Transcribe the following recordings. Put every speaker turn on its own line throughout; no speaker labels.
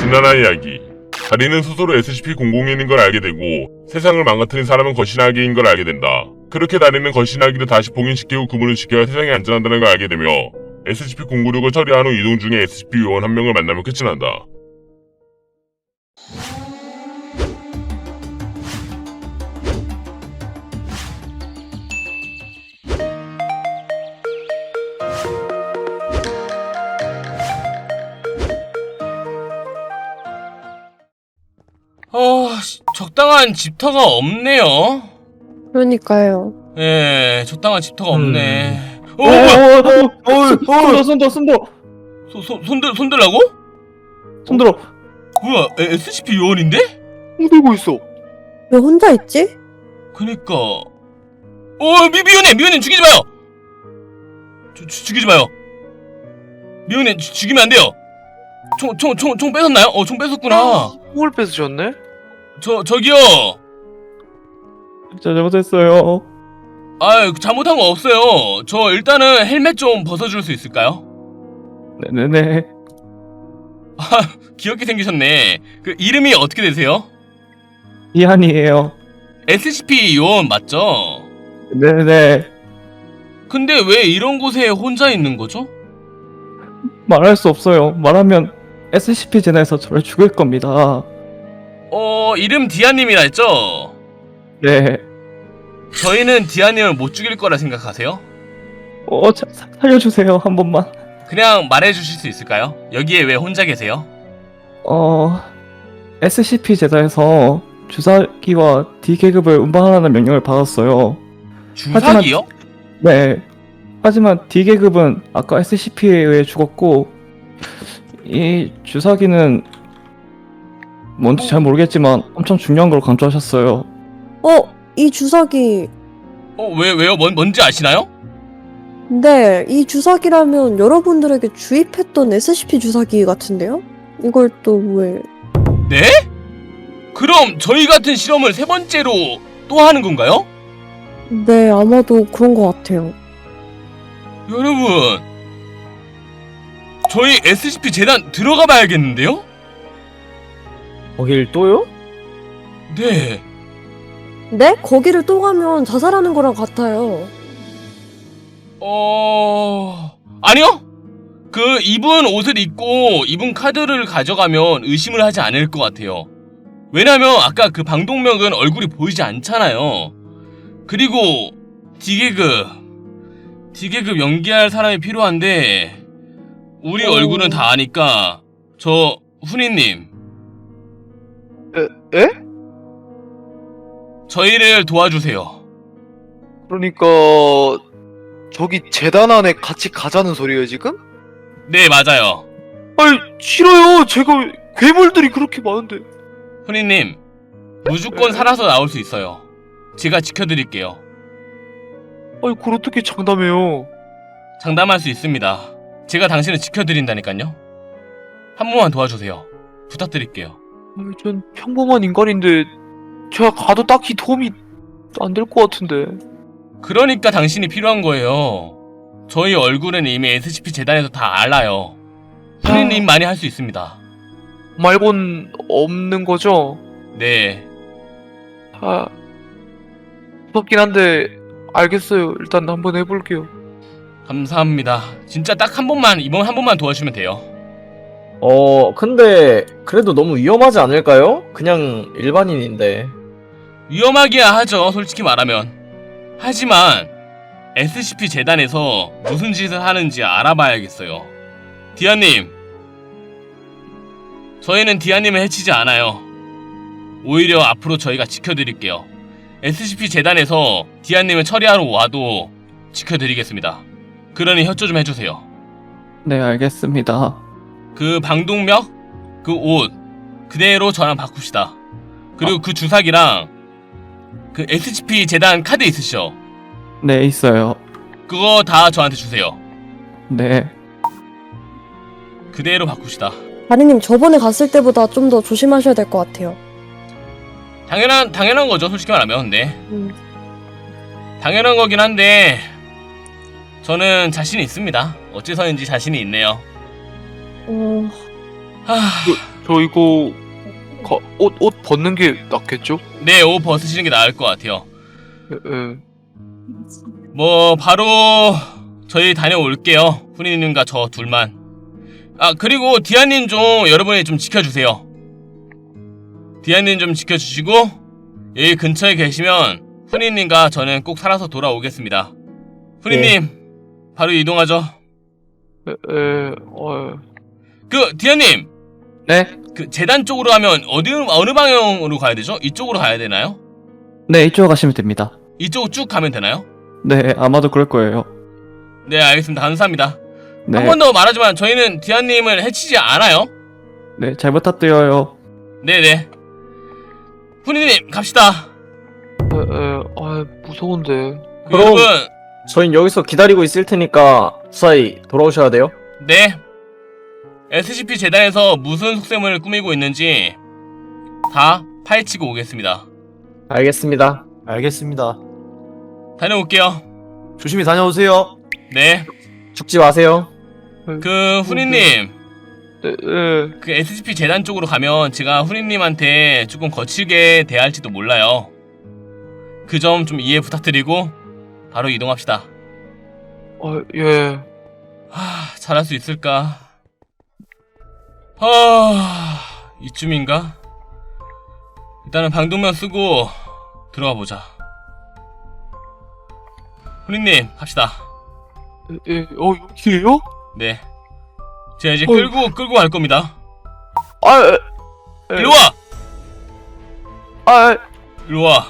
진난한 이야기. 다리는 스스로 SCP-001인 걸 알게 되고 세상을 망가뜨린 사람은 거신아기인 걸 알게 된다. 그렇게 다리는 거신아기를 다시 봉인시키고 구분을 시켜야 세상이 안전하다는 걸 알게 되며 SCP-096을 처리한 후 이동 중에 SCP 요원 한 명을 만나며 끝이 난다.
적당한 집터가 없네요.
그러니까요.
예, 적당한 집터가 없네.
손들어.
손들라고?
손들어.
뭐야, SCP 요원인데?
손들고 있어.
왜 혼자 있지?
그니까. 미호님 죽이지 마요! 죽이지 마요. 미호님 죽이면 안 돼요. 총 뺏었나요? 총 뺏었구나.
총을 뺏으셨네?
저기요.
진짜 잘못했어요.
잘못한 거 없어요. 저 일단은 헬멧 좀 벗어줄 수 있을까요?
네네네.
귀엽게 생기셨네. 그 이름이 어떻게 되세요?
이한이에요.
SCP 요원 맞죠?
네네.
근데 왜 이런 곳에 혼자 있는 거죠?
말할 수 없어요. 말하면 SCP 제나에서 저를 죽일 겁니다.
이름 디아님이라 했죠?
네.
저희는 디아님을 못 죽일 거라 생각하세요?
살려주세요. 한 번만.
그냥 말해주실 수 있을까요? 여기에 왜 혼자 계세요?
SCP 제다에서 주사기와 D계급을 운반하라는 명령을 받았어요.
주사기요?
네. 하지만 D계급은 아까 SCP에 의해 죽었고 이 주사기는 뭔지 잘 모르겠지만 엄청 중요한 걸 강조하셨어요.
이 주사기.
왜요? 뭔지 아시나요?
네, 이 주사기라면 여러분들에게 주입했던 SCP 주사기 같은데요? 이걸 또 왜?
네? 그럼 저희 같은 실험을 세 번째로 또 하는 건가요?
네, 아마도 그런 것 같아요.
여러분, 저희 SCP 재단 들어가 봐야겠는데요?
거길 또요?
네.
네? 거기를 또 가면 자살하는 거랑 같아요.
아니요? 입은 옷을 입고 입은 카드를 가져가면 의심을 하지 않을 것 같아요. 왜냐면 아까 그 방독면은 얼굴이 보이지 않잖아요. 그리고 D계급 연기할 사람이 필요한데 우리 얼굴은 다 아니까 저 훈이님
에?
저희를 도와주세요.
그러니까 저기 재단 안에 같이 가자는 소리예요 지금?
네, 맞아요.
아니 싫어요. 제가 괴물들이 그렇게 많은데.
훈이님 무조건 살아서 나올 수 있어요. 제가 지켜드릴게요.
아니 그걸 어떻게 장담해요?
장담할 수 있습니다. 제가 당신을 지켜드린다니까요. 한 번만 도와주세요. 부탁드릴게요.
아니, 전 평범한 인간인데 제가 가도 딱히 도움이 안 될 것 같은데.
그러니까 당신이 필요한 거예요. 저희 얼굴은 이미 SCP 재단에서 다 알아요. 훈이님만이 할 수 있습니다.
말곤 없는 거죠?
네.
무섭긴 한데 알겠어요. 일단 한번 해볼게요.
감사합니다. 진짜 딱 한 번만, 이번 한 번만 도와주면 돼요.
근데 그래도 너무 위험하지 않을까요? 그냥 일반인인데.
위험하기야 하죠, 솔직히 말하면. 하지만 SCP 재단에서 무슨 짓을 하는지 알아봐야겠어요. 디아님, 저희는 디아님을 해치지 않아요. 오히려 앞으로 저희가 지켜드릴게요. SCP 재단에서 디아님을 처리하러 와도 지켜드리겠습니다. 그러니 협조 좀 해주세요.
네, 알겠습니다.
그 방독면, 그 옷 그대로 저랑 바꿉시다. 그리고 그 주사기랑 그 SCP 재단 카드 있으시죠?
네, 있어요.
그거 다 저한테 주세요.
네.
그대로 바꿉시다.
다리님, 저번에 갔을 때보다 좀 더 조심하셔야 될 것 같아요.
당연한 거죠, 솔직히 말하면. 네.
음.
당연한 거긴 한데 저는 자신이 있습니다. 어째서인지 자신이 있네요.
저 이거 옷 벗는 게 낫겠죠?
네, 옷 벗으시는 게 나을 것 같아요.
예.
뭐 바로 저희 다녀올게요. 훈이님과 저 둘만. 아, 그리고 디아님 좀 여러분이 좀 지켜주세요. 디아님 좀 지켜주시고 여기 근처에 계시면 훈이님과 저는 꼭 살아서 돌아오겠습니다. 훈이님 바로 이동하죠. 그 디아님,
네?
그 재단 쪽으로 가면 어느 방향으로 가야 되죠? 이쪽으로 가야 되나요?
네, 이쪽으로 가시면 됩니다.
이쪽으로 쭉 가면 되나요?
네, 아마도 그럴 거예요.
네, 알겠습니다. 감사합니다.
네,
한 번 더 말하지만 저희는 디아님을 해치지 않아요.
네, 잘 부탁드려요.
네네. 훈이님 갑시다.
무서운데.
그럼-
여러분,
저희 여기서 기다리고 있을 테니까 무사히 돌아오셔야 돼요.
네. SCP 재단에서 무슨 속셈을 꾸미고 있는지 다 파헤치고 오겠습니다.
알겠습니다.
알겠습니다.
다녀올게요.
조심히 다녀오세요.
네.
죽지 마세요.
그 훈이님,
네.
그 SCP 재단 쪽으로 가면 제가 훈이님한테 조금 거칠게 대할지도 몰라요. 그 점 좀 이해 부탁드리고 바로 이동합시다.
예.
잘할 수 있을까? 이쯤인가? 일단은 방독면 쓰고 들어가 보자. 훈이님, 갑시다.
여기에요?
네. 제가 이제 끌고 갈 겁니다.
예.
일로 와! 일로 와.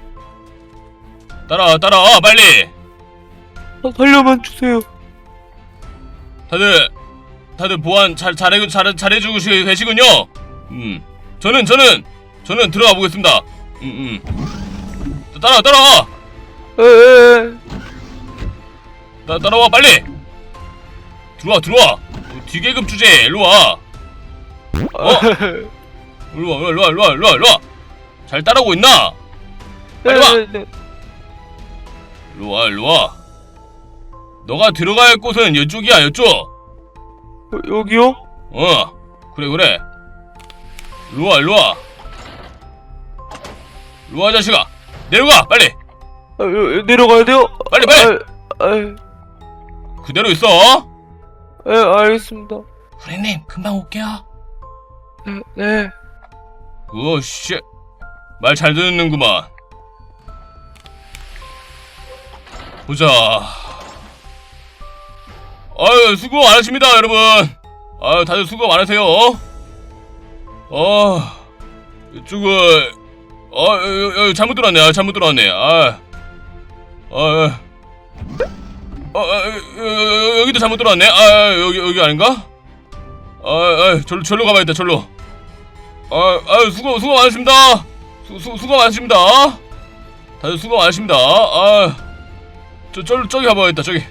따라와, 빨리!
살려만 주세요.
다들 보안 잘해주고 계시군요. 저는 들어가 보겠습니다. 따라와.
예.
따라와 빨리. 들어와. 뒤계급 주제. 일로 와. 일로 와. 잘 따라오고 있나? 빨리 와.
네.
일로 와. 너가 들어가야 할 곳은 이쪽이야, 이쪽.
여기요?
그래. 일로 와. 일로 와, 자식아. 내려가, 빨리.
내려가야 돼요?
빨리. 그대로 있어.
알겠습니다.
후레님, 금방 올게요.
네.
씨. 말 잘 듣는구만. 보자. 아유, 수고 많으십니다, 여러분. 아유, 다들 수고 많으세요. 이쪽은 여기 잘못 들어왔네. 여기도 잘못 들어왔네. 여기 아닌가? 절로 가봐야겠다, 절로. 수고 많으십니다. 수고 많으십니다. 다들 수고 많으십니다. 저기 가봐야겠다, 저기.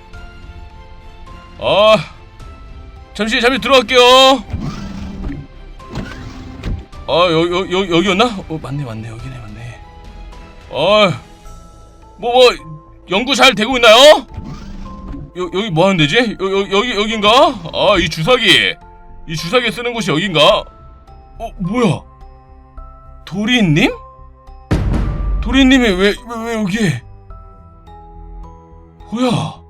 잠시 들어갈게요. 여기였나? 맞네, 여기네, 맞네. 연구 잘 되고 있나요? 여기 뭐 하는 데지? 여긴가? 이 주사기 쓰는 곳이 여긴가? 뭐야? 도리님? 도리님이 왜 여기에? 뭐야?